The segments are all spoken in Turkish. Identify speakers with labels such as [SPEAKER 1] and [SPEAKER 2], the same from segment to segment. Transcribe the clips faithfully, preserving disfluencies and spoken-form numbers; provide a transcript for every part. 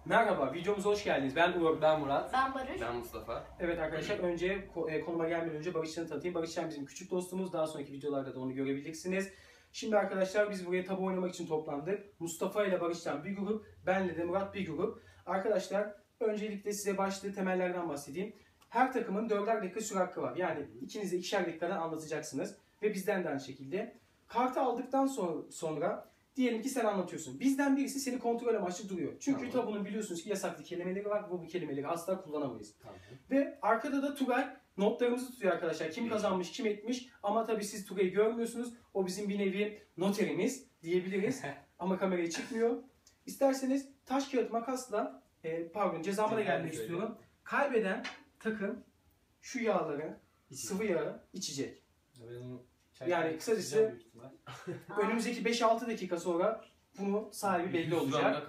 [SPEAKER 1] Merhaba, videomuza hoş geldiniz. Ben Uğur.
[SPEAKER 2] Ben Murat.
[SPEAKER 3] Ben Barış.
[SPEAKER 2] Ben Mustafa.
[SPEAKER 1] Evet arkadaşlar, önce konuma gelmeden önce Barışcan'ı tanıtayım. Barışcan bizim küçük dostumuz. Daha sonraki videolarda da onu görebileceksiniz. Şimdi arkadaşlar biz buraya tabu oynamak için toplandık. Mustafa ile Barışcan bir grup, benle de Murat bir grup. Arkadaşlar öncelikle size başlığı temellerden bahsedeyim. Her takımın dörder dakika süre hakkı var. Yani ikiniz de ikişer dakikadan anlatacaksınız. Ve bizden de aynı şekilde. Kartı aldıktan sonra, sonra diyelim ki sen anlatıyorsun. Bizden birisi seni kontrol amaçlı duruyor. Çünkü
[SPEAKER 2] Tamam.
[SPEAKER 1] tabunun biliyorsunuz ki yasaklı kelimeleri var. Bu, bu kelimeleri asla kullanamayız.
[SPEAKER 2] Tamam.
[SPEAKER 1] Ve arkada da Tugay notlarımızı tutuyor arkadaşlar. Kim kazanmış, kim etmiş. Ama tabii siz Tugay'ı görmüyorsunuz. O bizim bir nevi noterimiz diyebiliriz. Ama kameraya çıkmıyor. İsterseniz taş kağıt makasla, e, pardon cezama da gelmek
[SPEAKER 2] Söyle.
[SPEAKER 1] istiyorum. Kaybeden takım şu yağları, sıvı yağı içecek. Yani kısacası önümüzdeki beş altı dakika sonra bunu sahibi belli olacak.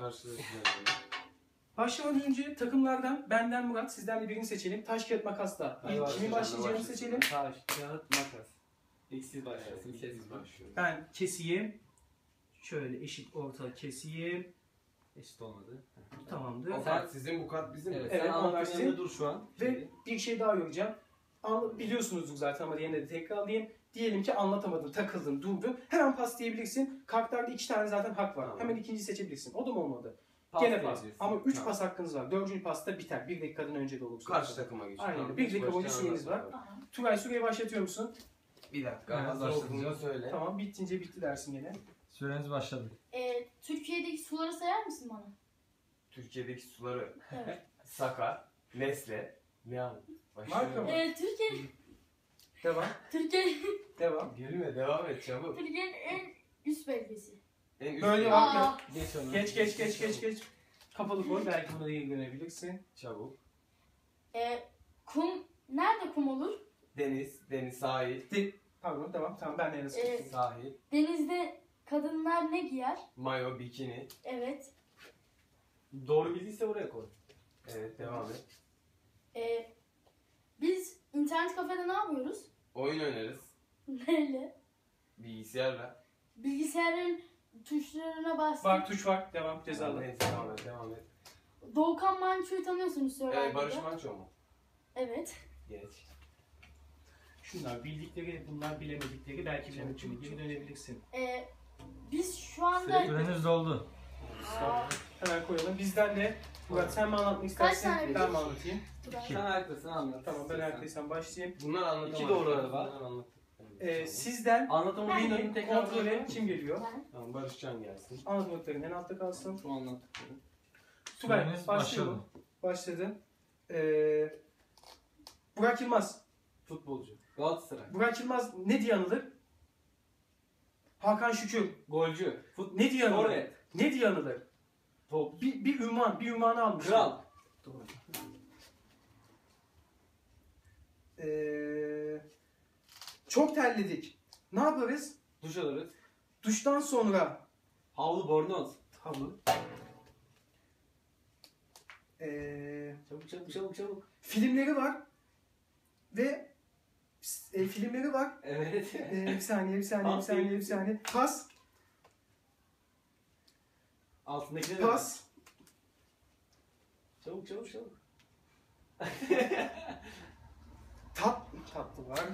[SPEAKER 1] Başlamadan önce takımlardan benden Murat, sizden de birini seçelim. Taş kağıt makasla. İlk kimin başlayacağını seçelim.
[SPEAKER 2] Taş, kağıt, makas. İlk siz başlarsın, ilk siz başlıyor.
[SPEAKER 1] Ben keseyim. Şöyle eşit orta keseyim.
[SPEAKER 2] Eşit olmadı.
[SPEAKER 1] Tamamdır.
[SPEAKER 4] O kart sizin, bu kart bizim mi?
[SPEAKER 2] Evet,
[SPEAKER 1] Evet,
[SPEAKER 2] sen
[SPEAKER 1] onlar
[SPEAKER 2] anlattığın
[SPEAKER 1] sizin.
[SPEAKER 2] yanında dur şu an.
[SPEAKER 1] Ve bir şey daha yoracağım. Anla- Biliyorsunuzdur zaten ama yine de tekrarlayayım. Diyelim ki anlatamadın, takıldın, durdun. Hemen pas diyebilirsin. Kartlarda iki tane zaten hak var.
[SPEAKER 2] Tamam.
[SPEAKER 1] Hemen ikinciyi seçebilirsin. O da mı olmadı?
[SPEAKER 2] Pas
[SPEAKER 1] Gene pas.
[SPEAKER 2] diyebilirsin.
[SPEAKER 1] Ama üç
[SPEAKER 2] Tamam.
[SPEAKER 1] pas hakkınız var. Dördüncü pasta biter. Bir dakikadan önce de olursa.
[SPEAKER 4] Karşı takıma geçiyor.
[SPEAKER 1] Aynen.
[SPEAKER 4] Tamam.
[SPEAKER 1] Bir dakika boyunca
[SPEAKER 4] Baştan
[SPEAKER 1] süreniz var.
[SPEAKER 4] anlat.
[SPEAKER 3] Tamam.
[SPEAKER 1] Tugay süreyi başlatıyor musun?
[SPEAKER 4] Bir dakika.
[SPEAKER 2] Evet,
[SPEAKER 4] Hazır
[SPEAKER 2] başladım.
[SPEAKER 4] olduğunu söyle.
[SPEAKER 1] Tamam. Bittince bitti dersin gene.
[SPEAKER 5] Süreniz başladı.
[SPEAKER 3] Ee, Türkiye'deki suları sayar mısın bana?
[SPEAKER 4] Türkiye'deki suları
[SPEAKER 3] Evet.
[SPEAKER 4] Saka, Nesle, Miam.
[SPEAKER 1] Marka mı?
[SPEAKER 3] ee, Türkiye,
[SPEAKER 1] Devam.
[SPEAKER 3] Türkiye,
[SPEAKER 1] Devam.
[SPEAKER 4] Gülme, devam et çabuk.
[SPEAKER 3] Türkiye'nin en üst belgesi.
[SPEAKER 4] En üst
[SPEAKER 1] Böyle
[SPEAKER 4] yer.
[SPEAKER 1] bak.
[SPEAKER 3] Aa,
[SPEAKER 2] Geç onu.
[SPEAKER 1] Geç geç geç geç geç. Kapalı koy. Belki buna da ilgilenebilirsin.
[SPEAKER 4] Çabuk.
[SPEAKER 3] ee, kum, nerede kum olur?
[SPEAKER 4] Deniz, deniz, sahil,
[SPEAKER 1] De Pardon tamam. Tamam ben de yarısı
[SPEAKER 3] Ee,
[SPEAKER 1] tuttum.
[SPEAKER 4] sahil,
[SPEAKER 3] Denizde kadınlar ne giyer?
[SPEAKER 4] mayo, bikini.
[SPEAKER 3] Evet.
[SPEAKER 2] Doğru bildiyse buraya koy.
[SPEAKER 4] Evet, devam et.
[SPEAKER 3] Ee, biz internet kafede ne yapıyoruz?
[SPEAKER 4] Oyun oynarız.
[SPEAKER 3] Neyle?
[SPEAKER 4] Bilgisayarla.
[SPEAKER 3] Bilgisayarın tuşlarına bastık.
[SPEAKER 1] Bak tuş var. Devam. Cezalı.
[SPEAKER 4] Neyse, devam et, devam et.
[SPEAKER 3] Doğukan Manço'yu tanıyorsunuz Survivor'da.
[SPEAKER 4] Ee, Barış Manço mu?
[SPEAKER 3] Evet.
[SPEAKER 4] Geç.
[SPEAKER 1] Şunlar bildikleri, bunlar bilemedikleri. Belki bilemedikleri. Geri dönebilirsin.
[SPEAKER 3] Ee, biz şu anda...
[SPEAKER 5] Süreniz doldu.
[SPEAKER 3] Aa,
[SPEAKER 1] Hemen koyalım. Bizden de Murat sen mi anlatmak istersin?
[SPEAKER 3] tane
[SPEAKER 1] Ben
[SPEAKER 3] bildik?
[SPEAKER 1] mi anlatayım?
[SPEAKER 2] Sen haklısın anlat.
[SPEAKER 1] Tamam ben herkesten başlayayım.
[SPEAKER 4] Bunlar anlatamadım.
[SPEAKER 2] İki doğruları var.
[SPEAKER 4] Bunlar anlattık.
[SPEAKER 1] Ee, sizden
[SPEAKER 2] Anlatamadığın
[SPEAKER 1] birinin
[SPEAKER 2] tekrar
[SPEAKER 1] kontrolü kim geliyor?
[SPEAKER 3] ben.
[SPEAKER 4] Tamam, Barışcan gelsin.
[SPEAKER 1] Anlatmakların en altta kalsın.
[SPEAKER 2] Şu anlattıkları.
[SPEAKER 1] Tugay
[SPEAKER 5] Süreniz
[SPEAKER 1] başlayalım.
[SPEAKER 5] başladı.
[SPEAKER 1] Başladın. Ee, Burak Yılmaz.
[SPEAKER 2] Futbolcu. Galatasaray.
[SPEAKER 1] Burak Yılmaz ne diye anılır? Hakan Şükür.
[SPEAKER 2] Golcü. Fut
[SPEAKER 1] Ne diye anılır?
[SPEAKER 2] Forvet.
[SPEAKER 1] Ne diye anılır?
[SPEAKER 2] Top.
[SPEAKER 1] Bir, bir ünvan, bir ünvanı almış.
[SPEAKER 2] Kral.
[SPEAKER 1] Doğru. Ee, çok terledik. Ne yaparız?
[SPEAKER 2] Duş alırız.
[SPEAKER 1] Duştan sonra
[SPEAKER 2] Havlu bornoz.
[SPEAKER 1] havlu. Ee,
[SPEAKER 2] Çabuk çabuk çabuk çabuk.
[SPEAKER 1] filmleri var ve e, filmleri var.
[SPEAKER 2] Evet.
[SPEAKER 1] Ee, bir saniye, bir saniye, bir saniye, bir saniye. Pas,
[SPEAKER 2] Altındaki ne?
[SPEAKER 1] pas.
[SPEAKER 2] Çabuk çabuk çabuk.
[SPEAKER 1] Tat, tatlı var.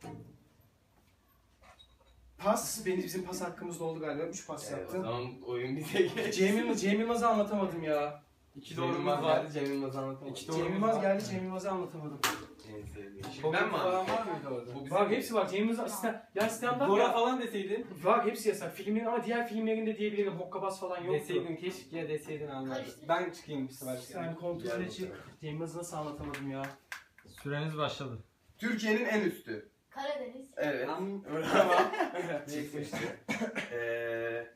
[SPEAKER 1] Pas, benim bizim pas hakkımız oldu galiba. Üç pas
[SPEAKER 4] Evet, o
[SPEAKER 1] yaptım.
[SPEAKER 4] zaman oyun bize geç.
[SPEAKER 1] Cem Yılmaz, Cem Yılmaz'ı anlatamadım ya.
[SPEAKER 2] İki
[SPEAKER 4] Cem
[SPEAKER 2] doğrumuz
[SPEAKER 4] Yılmaz
[SPEAKER 2] var.
[SPEAKER 4] geldi, Cem Yılmaz'ı anlatamadım.
[SPEAKER 2] İki
[SPEAKER 1] Cem
[SPEAKER 2] doğrumuz
[SPEAKER 1] Yılmaz
[SPEAKER 2] var.
[SPEAKER 1] geldi, Cem Yılmaz'ı anlatamadım.
[SPEAKER 4] En sevdiğim. Şimdi
[SPEAKER 2] Komik
[SPEAKER 4] ben mi
[SPEAKER 2] falan
[SPEAKER 4] anlatayım?
[SPEAKER 2] var mıydı orada?
[SPEAKER 4] Bu bizim
[SPEAKER 1] Var, hepsi var. Cem Yılmaz asistan. Ya stand-up
[SPEAKER 2] Gora
[SPEAKER 1] ya.
[SPEAKER 2] falan deseydin.
[SPEAKER 1] Var, hepsi yasak. Filmin ama diğer filmlerinde diyebilirim. Hokkabaz falan yoktu.
[SPEAKER 2] Deseydin keşke deseydin anlardım.
[SPEAKER 3] Karıştı.
[SPEAKER 2] Ben çıkayım bir sefer.
[SPEAKER 1] Sen kontrol
[SPEAKER 4] Gel
[SPEAKER 1] et.
[SPEAKER 4] bakalım.
[SPEAKER 1] Cem Yılmaz'ı nasıl anlatamadım ya?
[SPEAKER 5] Süreniz başladı.
[SPEAKER 4] Türkiye'nin en üstü.
[SPEAKER 3] Karadeniz.
[SPEAKER 4] Evet.
[SPEAKER 2] Am-
[SPEAKER 4] Bravo. Çıkmıştı. Ee,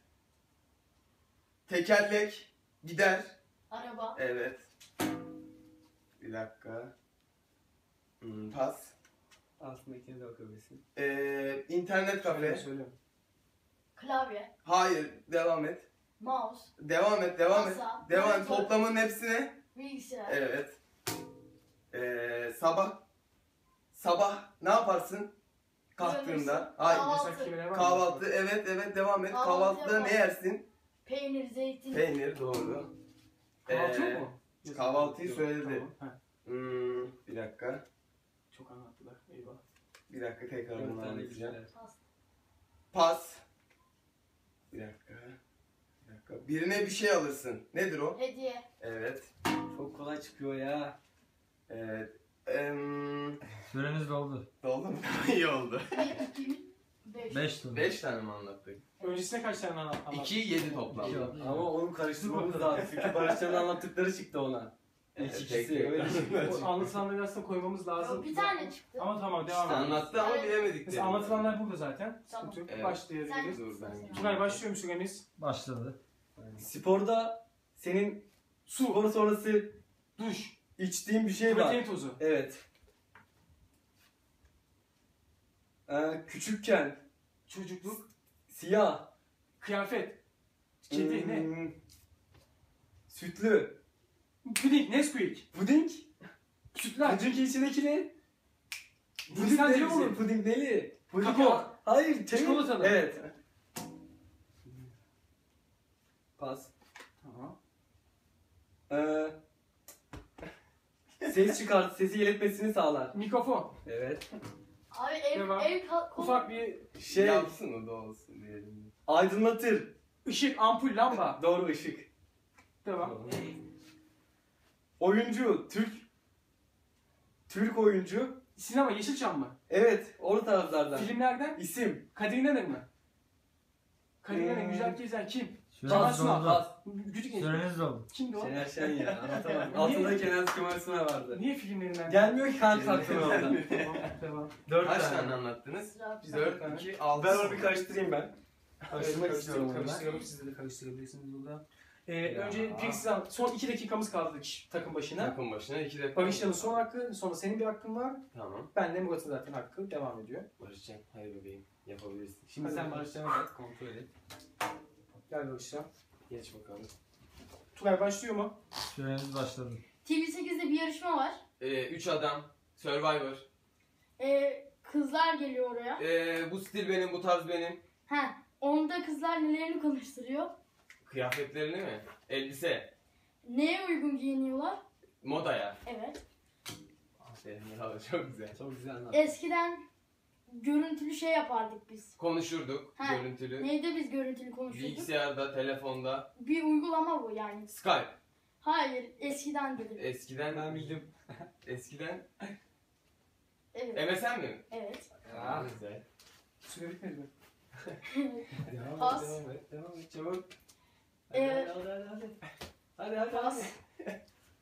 [SPEAKER 4] tekerlek gider.
[SPEAKER 3] Araba.
[SPEAKER 4] Evet. Bir dakika. Hmm, pas.
[SPEAKER 2] Aslında ikiniz de bakabilirsin.
[SPEAKER 4] Ee, internet kafe.
[SPEAKER 1] Söyle.
[SPEAKER 3] Klavye.
[SPEAKER 4] Hayır. Devam et.
[SPEAKER 3] Mouse.
[SPEAKER 4] Devam et. Devam et.
[SPEAKER 3] Masa.
[SPEAKER 4] Devam et.
[SPEAKER 3] monitör,
[SPEAKER 4] Toplamın hepsine.
[SPEAKER 3] Bilgisayar.
[SPEAKER 4] Evet. Ee, sabah. Sabah ne yaparsın? Kalktığında. Hayır.
[SPEAKER 3] Kahvaltı.
[SPEAKER 1] Yasak kelimeler var mı?
[SPEAKER 4] Kahvaltı. Evet evet devam et.
[SPEAKER 3] Kahvaltı
[SPEAKER 4] Kahvaltıda
[SPEAKER 3] yapar.
[SPEAKER 4] ne yersin?
[SPEAKER 3] Peynir, zeytin.
[SPEAKER 4] Peynir doğru.
[SPEAKER 1] Kahvaltı
[SPEAKER 4] Ee,
[SPEAKER 1] yok mu?
[SPEAKER 4] kahvaltıyı
[SPEAKER 1] Yok,
[SPEAKER 4] söyledi.
[SPEAKER 1] tamam. Heh,
[SPEAKER 4] Hmm, bir dakika.
[SPEAKER 1] çok anlattılar. Eyvah.
[SPEAKER 4] Bir dakika tekrar
[SPEAKER 2] Dört
[SPEAKER 4] bunu
[SPEAKER 2] tane
[SPEAKER 4] anlatacağım.
[SPEAKER 2] güzel.
[SPEAKER 3] Pas.
[SPEAKER 4] Pas. Bir dakika. Bir dakika. Birine bir şey alırsın. Nedir o?
[SPEAKER 3] Hediye.
[SPEAKER 4] Evet.
[SPEAKER 2] Çok kolay çıkıyor ya.
[SPEAKER 4] Evet. Em,
[SPEAKER 5] Süreniz doldu.
[SPEAKER 4] Oldu mu? İyi oldu.
[SPEAKER 3] bir, iki, üç, beş.
[SPEAKER 5] beş tur.
[SPEAKER 4] Beş tane mi anlattık?
[SPEAKER 1] Öncesine kaç tane anlattın?
[SPEAKER 4] iki, yedi toplam.
[SPEAKER 2] İki oldu. Ama onu karıştırmamız lazım. Çünkü Barışcan'ın anlattıkları çıktı ona.
[SPEAKER 4] Evet,
[SPEAKER 2] İlk
[SPEAKER 4] tek
[SPEAKER 2] ikisi
[SPEAKER 4] tek.
[SPEAKER 2] öyle çıktı.
[SPEAKER 1] O anlatılanları aslında koymamız lazım.
[SPEAKER 3] Yok, bir tane çıktı.
[SPEAKER 1] Ama tamam devam
[SPEAKER 4] İşte
[SPEAKER 1] edelim.
[SPEAKER 4] anlattı ama
[SPEAKER 3] Evet.
[SPEAKER 4] bilemedik.
[SPEAKER 1] Mesela
[SPEAKER 4] dedim.
[SPEAKER 1] anlatılanlar burada zaten.
[SPEAKER 3] Tamam.
[SPEAKER 1] Sıkıntı yok.
[SPEAKER 4] Evet.
[SPEAKER 1] Başlayabiliriz.
[SPEAKER 4] Dur ben.
[SPEAKER 1] Tugay başlıyor mu süremiz?
[SPEAKER 5] Başladı.
[SPEAKER 2] Sporda senin su spor sonrası
[SPEAKER 1] Duş.
[SPEAKER 2] içtiğin bir şey var.
[SPEAKER 1] Protein tozu.
[SPEAKER 2] Evet. Ee, küçükken
[SPEAKER 1] Çocukluk.
[SPEAKER 2] siyah,
[SPEAKER 1] Kıyafet. Kedi ne?
[SPEAKER 2] hmm, sütlü,
[SPEAKER 1] Puding. Nesquik.
[SPEAKER 2] puding,
[SPEAKER 1] Sütlaç.
[SPEAKER 2] puding içindeki ne? Puding
[SPEAKER 1] Hindistan
[SPEAKER 2] neli
[SPEAKER 1] cevizi.
[SPEAKER 2] olur? Puding neli? Puding
[SPEAKER 1] Kakao.
[SPEAKER 2] ya- Hayır, şey-
[SPEAKER 1] Çikolatalı.
[SPEAKER 2] Evet. Pas.
[SPEAKER 1] Tamam.
[SPEAKER 2] Ee, ses çıkart, sesi iletmesini sağlar.
[SPEAKER 1] Mikrofon.
[SPEAKER 2] Evet.
[SPEAKER 3] Abi ev,
[SPEAKER 1] Devam.
[SPEAKER 3] ev ka- konu-
[SPEAKER 1] Ufak bir
[SPEAKER 2] Şey,
[SPEAKER 4] Yapsın o da olsun diyelim.
[SPEAKER 2] aydınlatır.
[SPEAKER 1] ışık, ampul, lamba.
[SPEAKER 2] Doğru, ışık.
[SPEAKER 1] Devam.
[SPEAKER 2] Oyuncu, Türk. Türk oyuncu.
[SPEAKER 1] Sinema, Yeşilçam mı?
[SPEAKER 2] Evet, o taraflardan.
[SPEAKER 1] Filmlerden
[SPEAKER 2] İsim.
[SPEAKER 1] Kadir İnanır mı? Kadir İnanır,
[SPEAKER 2] Hmm.
[SPEAKER 1] Güzel Gezen kim?
[SPEAKER 5] Süreniz
[SPEAKER 1] Kemal Sunal.
[SPEAKER 5] doldu.
[SPEAKER 2] Pas.
[SPEAKER 1] Gücük Genç.
[SPEAKER 5] Süreniz doldu.
[SPEAKER 1] Kimdi o?
[SPEAKER 2] Şener Şen ya, anlatamam.
[SPEAKER 1] Niye?
[SPEAKER 2] Altında Kenan Kemal Sunal vardı.
[SPEAKER 1] Niye filmlerinden?
[SPEAKER 2] Gelmiyor ki kanka aklıma orada.
[SPEAKER 1] Tamam, devam.
[SPEAKER 2] Dört
[SPEAKER 4] Kaç
[SPEAKER 2] tane.
[SPEAKER 4] tane anlattınız?
[SPEAKER 3] Sıra-
[SPEAKER 1] Biz
[SPEAKER 4] dört,
[SPEAKER 1] tane.
[SPEAKER 4] iki, altı.
[SPEAKER 2] Ben onu bir karıştırayım ben. Karıştırmak
[SPEAKER 1] Evet,
[SPEAKER 2] istiyorum onu ben.
[SPEAKER 1] Karıştıralım, siz de karıştırabilirsiniz burada. Ee,
[SPEAKER 2] Ya.
[SPEAKER 1] önce bir size son iki dakikamız kaldı kişi- takım başına.
[SPEAKER 4] Takım başına iki dakika.
[SPEAKER 1] Barışcan'ın son hakkı, sonra senin bir hakkın var.
[SPEAKER 4] Tamam.
[SPEAKER 1] Benle Murat'ın zaten hakkı devam ediyor.
[SPEAKER 4] Barışcan, hadi bebeğim. Yapabilirsin.
[SPEAKER 2] Şimdi
[SPEAKER 1] Hadi
[SPEAKER 2] sen
[SPEAKER 1] bakalım.
[SPEAKER 2] Barışcan'a bak, kontrol et.
[SPEAKER 1] Gel Barışcan.
[SPEAKER 4] Geç bakalım.
[SPEAKER 1] Tugay başlıyor mu?
[SPEAKER 5] Süreniz başladı.
[SPEAKER 3] T V sekizde bir yarışma var.
[SPEAKER 4] Ee, üç adam. Survivor.
[SPEAKER 3] Ee, kızlar geliyor oraya.
[SPEAKER 4] Ee, bu stil benim, bu tarz benim.
[SPEAKER 3] Ha, onda kızlar nelerini konuşturuyor.
[SPEAKER 4] Kıyafetlerini mi? Elbise.
[SPEAKER 3] Neye uygun giyiniyorlar?
[SPEAKER 4] Modaya.
[SPEAKER 3] Evet.
[SPEAKER 4] Aferin ya, çok güzel.
[SPEAKER 2] Çok güzel anlat.
[SPEAKER 3] Eskiden görüntülü şey yapardık biz.
[SPEAKER 4] Konuşurduk,
[SPEAKER 3] Ha.
[SPEAKER 4] görüntülü.
[SPEAKER 3] Neyde biz görüntülü konuşurduk?
[SPEAKER 4] Bilgisayarda, telefonda.
[SPEAKER 3] Bir uygulama bu yani.
[SPEAKER 4] Skype.
[SPEAKER 3] Hayır, eskiden dedim.
[SPEAKER 4] Eskiden
[SPEAKER 2] Ben bildim.
[SPEAKER 4] Eskiden
[SPEAKER 3] Evet.
[SPEAKER 4] M S N mi?
[SPEAKER 3] Evet.
[SPEAKER 4] Aa, güzel.
[SPEAKER 1] Süre bitmedi mi?
[SPEAKER 2] Devam
[SPEAKER 3] Pas.
[SPEAKER 2] et, devam et, devam et, çabuk.
[SPEAKER 3] Ee,
[SPEAKER 2] Hadi, hadi, hadi, hadi. Hadi, hadi,
[SPEAKER 3] Pas.
[SPEAKER 2] hadi.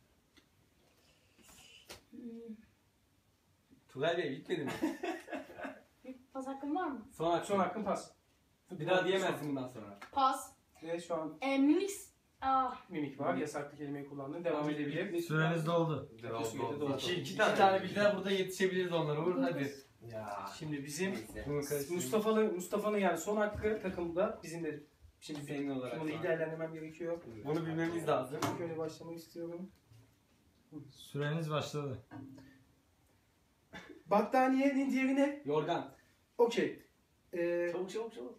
[SPEAKER 3] Hmm,
[SPEAKER 2] Tugay Bey bitmedi mi?
[SPEAKER 3] bir pas hakkım var mı?
[SPEAKER 2] Son hakkın.
[SPEAKER 1] Son hakkın pas.
[SPEAKER 2] Bir daha diyemezsin bundan sonra.
[SPEAKER 3] Pas.
[SPEAKER 1] Ve şu an
[SPEAKER 3] Ee, mix. Ah,
[SPEAKER 1] mimik var. Yasaklı kelimeyi kullandın. Devam edebilir.
[SPEAKER 5] Süreniz doldu.
[SPEAKER 4] Oldu,
[SPEAKER 1] sürede
[SPEAKER 4] oldu.
[SPEAKER 1] doğru.
[SPEAKER 4] İki,
[SPEAKER 2] İki,
[SPEAKER 4] iki
[SPEAKER 2] iki
[SPEAKER 4] tane.
[SPEAKER 2] tane bilgiler burada yetişebiliriz onlara. Vur hadi.
[SPEAKER 4] Ya.
[SPEAKER 1] Şimdi bizim
[SPEAKER 4] Neyse.
[SPEAKER 2] Bunu karıştırayım.
[SPEAKER 1] Mustafa'lı Mustafa'nın yani son hakkı takımda bizim de şimdi
[SPEAKER 2] Senin olarak
[SPEAKER 1] bunu
[SPEAKER 2] var.
[SPEAKER 1] iyi değerlendirmem gerekiyor.
[SPEAKER 2] Bunu bilmemiz lazım.
[SPEAKER 1] Şöyle başlamak istiyorum.
[SPEAKER 5] Süreniz başladı.
[SPEAKER 1] Battaniyenin diğeri ne?
[SPEAKER 2] Yorgan.
[SPEAKER 1] Okey. Ee,
[SPEAKER 2] Çabuk çabuk çabuk.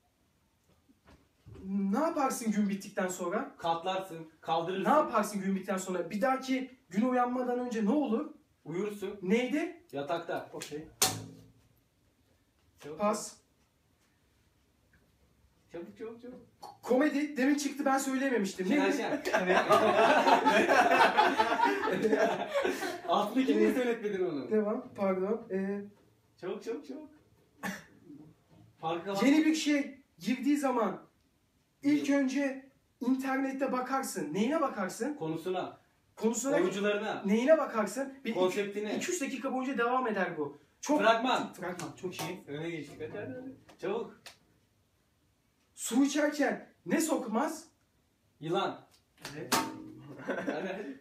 [SPEAKER 1] ne yaparsın gün bittikten sonra?
[SPEAKER 2] Katlarsın, kaldırırsın.
[SPEAKER 1] Ne yaparsın gün bittikten sonra? Bir dahaki gün uyanmadan önce ne olur?
[SPEAKER 2] Uyursun.
[SPEAKER 1] Neydi?
[SPEAKER 2] Yatakta.
[SPEAKER 1] Okey.
[SPEAKER 2] Çabuk,
[SPEAKER 1] Pas.
[SPEAKER 2] Çabuk çabuk çabuk.
[SPEAKER 1] Komedi. Demin çıktı ben söylememiştim.
[SPEAKER 2] Şener
[SPEAKER 1] Neydi?
[SPEAKER 2] Şen.
[SPEAKER 1] Evet.
[SPEAKER 2] Altındaki niye söyletmedin onu?
[SPEAKER 1] Devam. Pardon. Ee,
[SPEAKER 2] Çabuk çabuk çabuk. Farkına bak.
[SPEAKER 1] yeni bir şey girdiği zaman ilk önce internette bakarsın. Neyine bakarsın?
[SPEAKER 2] Konusuna,
[SPEAKER 1] Konusuna
[SPEAKER 2] oyuncularına,
[SPEAKER 1] neyine bakarsın? Bir
[SPEAKER 2] konseptine.
[SPEAKER 1] iki üç dakika boyunca devam eder bu. Çok
[SPEAKER 2] Fragman.
[SPEAKER 1] Fragman. Çok iyi.
[SPEAKER 2] Öne geçtik. Hadi hadi hadi. Çabuk.
[SPEAKER 1] Su içerken ne sokmaz?
[SPEAKER 2] Yılan.
[SPEAKER 1] Evet.
[SPEAKER 2] Hadi hadi.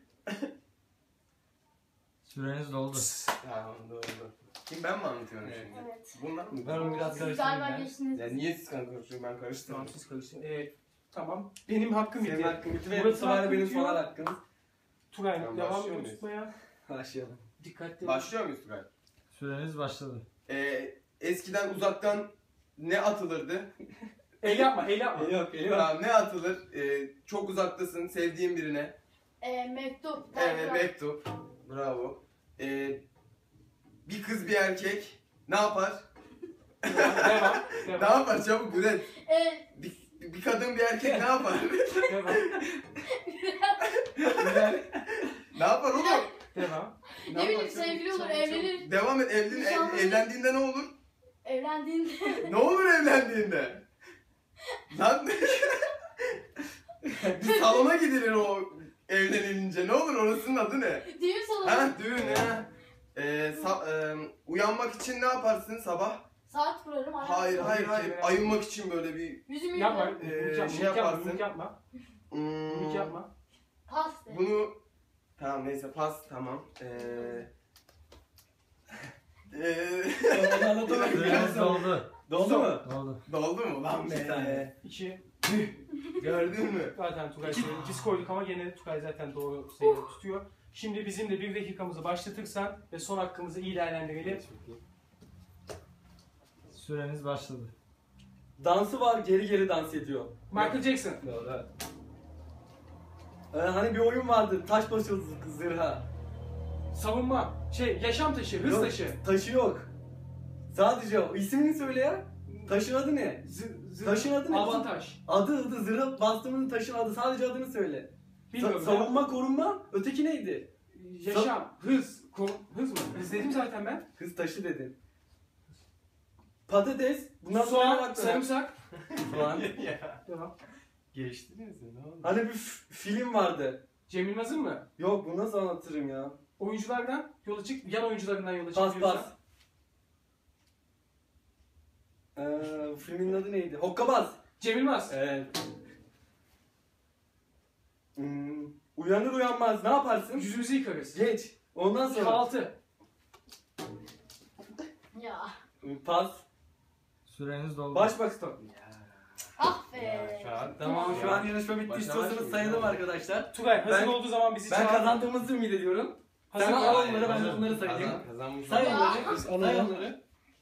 [SPEAKER 5] Süreniz doldu.
[SPEAKER 4] Tamam, doğru. Kim, ben mi anlatıyorum
[SPEAKER 2] Evet.
[SPEAKER 4] şimdi?
[SPEAKER 3] evet.
[SPEAKER 4] Bunlar mı?
[SPEAKER 2] Ben onu biraz
[SPEAKER 3] Siz
[SPEAKER 2] karıştırayım
[SPEAKER 3] galiba
[SPEAKER 2] ben.
[SPEAKER 3] geçtiniz.
[SPEAKER 4] Ya niye siz kanka karıştırıyorsun? Ben
[SPEAKER 1] Tamam
[SPEAKER 4] karıştırdım.
[SPEAKER 1] siz karıştırın. Ee, tamam. Benim hakkım
[SPEAKER 2] Senin
[SPEAKER 1] bitti.
[SPEAKER 2] hakkın bitti ve bu
[SPEAKER 1] Murat'ın
[SPEAKER 2] sefer de
[SPEAKER 1] hakkı
[SPEAKER 2] benim
[SPEAKER 1] bitiyor.
[SPEAKER 2] son hakkım.
[SPEAKER 1] Tugay
[SPEAKER 4] Tamam,
[SPEAKER 1] devam
[SPEAKER 4] başlıyor
[SPEAKER 1] ediyor
[SPEAKER 4] muyuz?
[SPEAKER 1] tutmaya.
[SPEAKER 2] Başlayalım.
[SPEAKER 1] Dikkatli.
[SPEAKER 4] Başlıyor muyuz Tugay?
[SPEAKER 5] Süreniz başladı.
[SPEAKER 4] Ee, eskiden uzaktan ne atılırdı?
[SPEAKER 1] El yapma, el yapma.
[SPEAKER 2] Yok, geliyor.
[SPEAKER 4] Tamam, ne atılır? Ee, çok uzaktasın, sevdiğin birine.
[SPEAKER 3] Ee, mektup.
[SPEAKER 4] Evet,
[SPEAKER 3] telgraf.
[SPEAKER 4] mektup. Bravo. Ee, bir kız bir erkek ne yapar?
[SPEAKER 1] Devam.
[SPEAKER 4] Ne
[SPEAKER 1] Devam.
[SPEAKER 4] yapar çabuk üret.
[SPEAKER 3] Ee,
[SPEAKER 4] Bir, bir kadın bir erkek ne yapar?
[SPEAKER 1] Devam. Güzel.
[SPEAKER 4] Ne yapar oğlum?
[SPEAKER 1] Devam.
[SPEAKER 3] ne bileyim
[SPEAKER 1] yaparsın?
[SPEAKER 3] sevgili olur,
[SPEAKER 1] Çabuk,
[SPEAKER 3] evlenir.
[SPEAKER 4] Devam et. Evlen, ev-
[SPEAKER 3] Nişanlı-
[SPEAKER 4] evlendiğinde ne olur?
[SPEAKER 3] Evlendiğinde.
[SPEAKER 4] Ne olur evlendiğinde? Lan bir salona gidilir o evlenilince. Ne olur orasının adı ne?
[SPEAKER 3] Düğün salonu.
[SPEAKER 4] Ha düğün ha. Ee, sa- e, uyanmak için ne yaparsın sabah?
[SPEAKER 3] Saat kurarım. alarm
[SPEAKER 4] Hayır
[SPEAKER 3] kurarım.
[SPEAKER 4] hayır hayır. Ayılmak için böyle bir
[SPEAKER 3] Yüzümü
[SPEAKER 1] Yapma.
[SPEAKER 3] yıkarım.
[SPEAKER 4] Ee,
[SPEAKER 1] Mimik yapma.
[SPEAKER 4] şey
[SPEAKER 1] Mimik yapma.
[SPEAKER 4] yaparsın.
[SPEAKER 1] Mimik yapma.
[SPEAKER 4] hmm,
[SPEAKER 1] Mimik yapma.
[SPEAKER 3] Pas de.
[SPEAKER 4] bunu tamam neyse pas tamam. Ee, ee,
[SPEAKER 2] Anlatamam.
[SPEAKER 5] Süreniz doldu.
[SPEAKER 2] Doldu mu?
[SPEAKER 5] Doldu.
[SPEAKER 4] Doldu mu lan
[SPEAKER 2] İki
[SPEAKER 4] be?
[SPEAKER 2] tane.
[SPEAKER 1] İki.
[SPEAKER 4] Gördün mü?
[SPEAKER 1] Zaten Tugay söyledi. İkisi koyduk ama gene Tugay zaten doğru sayıları tutuyor. Şimdi bizim de bir dakikamızı başlatırsan ve son hakkımızı iyi değerlendirelim.
[SPEAKER 5] Süreniz başladı.
[SPEAKER 2] Dansı var, geri geri dans ediyor.
[SPEAKER 1] Michael Jackson.
[SPEAKER 2] Doğru. Ee, hani bir oyun vardı, taş başı zırha.
[SPEAKER 1] Savunma. Şey, yaşam taşı, hız
[SPEAKER 2] Yok,
[SPEAKER 1] taşı.
[SPEAKER 2] Taşı yok. Sadece o. İsmini söyle ya. Taşın adı ne?
[SPEAKER 1] Z- z-
[SPEAKER 2] Taşın adı ne?
[SPEAKER 1] Altın taş.
[SPEAKER 2] Adı adı zırha bastığımın taşın adı. Sadece adını söyle.
[SPEAKER 1] Bilmiyorum.
[SPEAKER 2] Sa- savunma, korunma. Öteki neydi?
[SPEAKER 1] Yaşam, hız, ko- hız mı? Hız dedim zaten ben.
[SPEAKER 2] Kız taşı dedin. Patates. Bundan sonra ne
[SPEAKER 1] Soğan,
[SPEAKER 2] bak
[SPEAKER 1] sarımsak.
[SPEAKER 2] Soğan.
[SPEAKER 1] Devam.
[SPEAKER 4] Geçtiniz mi? Ne oldu?
[SPEAKER 2] Hani bir f- film vardı.
[SPEAKER 1] Cem Yılmaz'ın mı?
[SPEAKER 2] Yok, bunu nasıl anlatırım ya?
[SPEAKER 1] Oyunculardan yola çık, yan oyuncularından yola çık.
[SPEAKER 2] Pas
[SPEAKER 1] diyorsan.
[SPEAKER 2] pas. Ee, filmin adı neydi? Hokkabaz.
[SPEAKER 1] Cem Yılmaz.
[SPEAKER 2] Evet. Hmm, uyanır uyanmaz ne yaparsın?
[SPEAKER 1] Yüzümüzü yıkarız.
[SPEAKER 2] Geç. Ondan sonra
[SPEAKER 1] Kahvaltı.
[SPEAKER 3] Ya.
[SPEAKER 2] pas.
[SPEAKER 5] Süreniz doldu.
[SPEAKER 2] Baş bak stop.
[SPEAKER 3] Ah be.
[SPEAKER 4] Ya, şu an-
[SPEAKER 2] Tamam şu an yarışma bitti.
[SPEAKER 4] Başa
[SPEAKER 2] İstiyorsanız
[SPEAKER 4] başlayayım.
[SPEAKER 2] sayalım arkadaşlar.
[SPEAKER 1] Tugay hazır
[SPEAKER 2] Ben-
[SPEAKER 1] olduğu zaman bizi
[SPEAKER 2] Ben
[SPEAKER 1] çağır.
[SPEAKER 2] kazandığımızı ümit ediyorum.
[SPEAKER 1] Hazır
[SPEAKER 2] Sen
[SPEAKER 1] ol.
[SPEAKER 2] al onları, ben de
[SPEAKER 4] Hazır.
[SPEAKER 2] bunları sayayım.
[SPEAKER 4] Kazan- Kazanmış.
[SPEAKER 2] Say
[SPEAKER 3] Ya.
[SPEAKER 2] onları.
[SPEAKER 1] Biz
[SPEAKER 2] Say
[SPEAKER 1] alalım.
[SPEAKER 2] onları.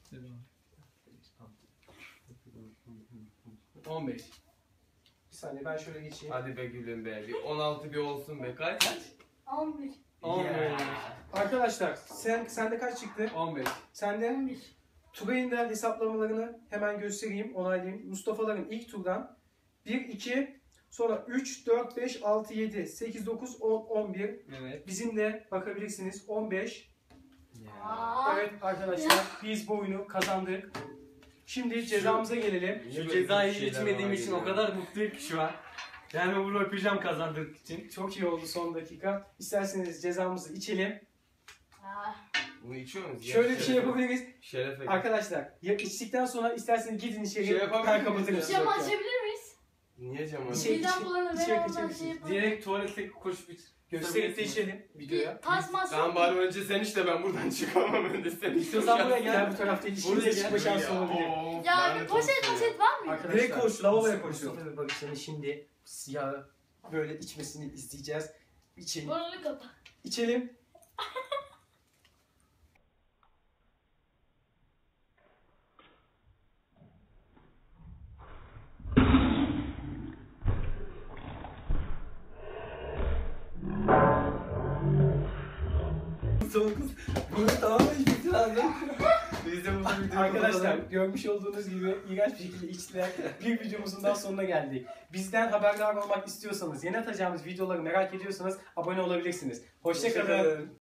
[SPEAKER 1] on beş. Bir saniye ben şöyle geçeyim.
[SPEAKER 4] Hadi be gülüm be. Bir on altı bir olsun be. Kaç?
[SPEAKER 3] on bir.
[SPEAKER 2] on
[SPEAKER 4] Ya.
[SPEAKER 1] Arkadaşlar sen sende kaç çıktı?
[SPEAKER 2] on beş.
[SPEAKER 1] Sende
[SPEAKER 3] on bir.
[SPEAKER 1] Tugay'ın da hesaplamalarını hemen göstereyim, onaylayayım. Mustafa'ların ilk turdan bir, iki, sonra üç, dört, beş, altı, yedi, sekiz, dokuz, on, on bir.
[SPEAKER 2] Evet.
[SPEAKER 1] Bizim de bakabilirsiniz on beş.
[SPEAKER 3] Aa.
[SPEAKER 1] Evet arkadaşlar biz bu oyunu kazandık. Şimdi cezamıza gelelim.
[SPEAKER 2] Şu cezayı içmediğim için o kadar mutluyum ki şu an. Yani bunu öpeceğim kazandığım için.
[SPEAKER 1] Çok iyi oldu son dakika. İsterseniz cezamızı içelim.
[SPEAKER 3] Ah.
[SPEAKER 4] Bunu içiyor muyuz?
[SPEAKER 1] Şöyle
[SPEAKER 4] Ya,
[SPEAKER 1] bir şey
[SPEAKER 4] şerefe-
[SPEAKER 1] yapabiliriz.
[SPEAKER 4] Şerefe.
[SPEAKER 1] Arkadaşlar ya içtikten sonra isterseniz gidin içeri.
[SPEAKER 4] Şey yapabilir
[SPEAKER 1] ben
[SPEAKER 4] miyiz
[SPEAKER 1] kapatırım.
[SPEAKER 4] ya?
[SPEAKER 3] Cam
[SPEAKER 1] Yok, yok.
[SPEAKER 3] açabilir miyiz?
[SPEAKER 4] Niye cam
[SPEAKER 1] İçeri-
[SPEAKER 4] açıyorsun?
[SPEAKER 1] İçeri-
[SPEAKER 3] Birden bulanı
[SPEAKER 1] içeri
[SPEAKER 3] ver ondan
[SPEAKER 1] kaçabilirsiniz.
[SPEAKER 3] şey yapalım.
[SPEAKER 2] Direkt tuvalete koşup iç.
[SPEAKER 1] Gösterip de içelim videoya.
[SPEAKER 3] Bir pas mas
[SPEAKER 4] Tamam
[SPEAKER 3] yok.
[SPEAKER 4] bari önce sen işte ben buradan çıkamam önce sen.
[SPEAKER 2] İstiyorsan buraya
[SPEAKER 1] Gel
[SPEAKER 2] gel.
[SPEAKER 1] bu tarafta
[SPEAKER 2] Buraya
[SPEAKER 1] ilişkinize
[SPEAKER 2] gel.
[SPEAKER 1] çıkma şansı
[SPEAKER 4] Ya,
[SPEAKER 1] olabilir.
[SPEAKER 4] of,
[SPEAKER 3] Ya
[SPEAKER 4] lanet
[SPEAKER 3] bir poşet
[SPEAKER 4] olsun ya.
[SPEAKER 3] poşet var mı?
[SPEAKER 1] Arkadaşlar,
[SPEAKER 2] Direkt koş, lavaboya
[SPEAKER 1] Mustafa-
[SPEAKER 2] koşuyor.
[SPEAKER 1] Mustafa ve Barış'ın şimdi siyah böyle içmesini izleyeceğiz. İçelim.
[SPEAKER 3] Burnunu kapa.
[SPEAKER 1] İçelim.
[SPEAKER 2] Soğuk kız. Bunu tamamen içmesi lazım. Biz de burada videoyu
[SPEAKER 1] Arkadaşlar
[SPEAKER 2] kapatalım.
[SPEAKER 1] görmüş olduğunuz gibi iğrenç bir şekilde içtiler. Bir videomuzun daha sonuna geldik. Bizden haberdar olmak istiyorsanız, yeni atacağımız videoları merak ediyorsanız abone olabilirsiniz. Hoşçakalın.
[SPEAKER 2] Hoşçakalın.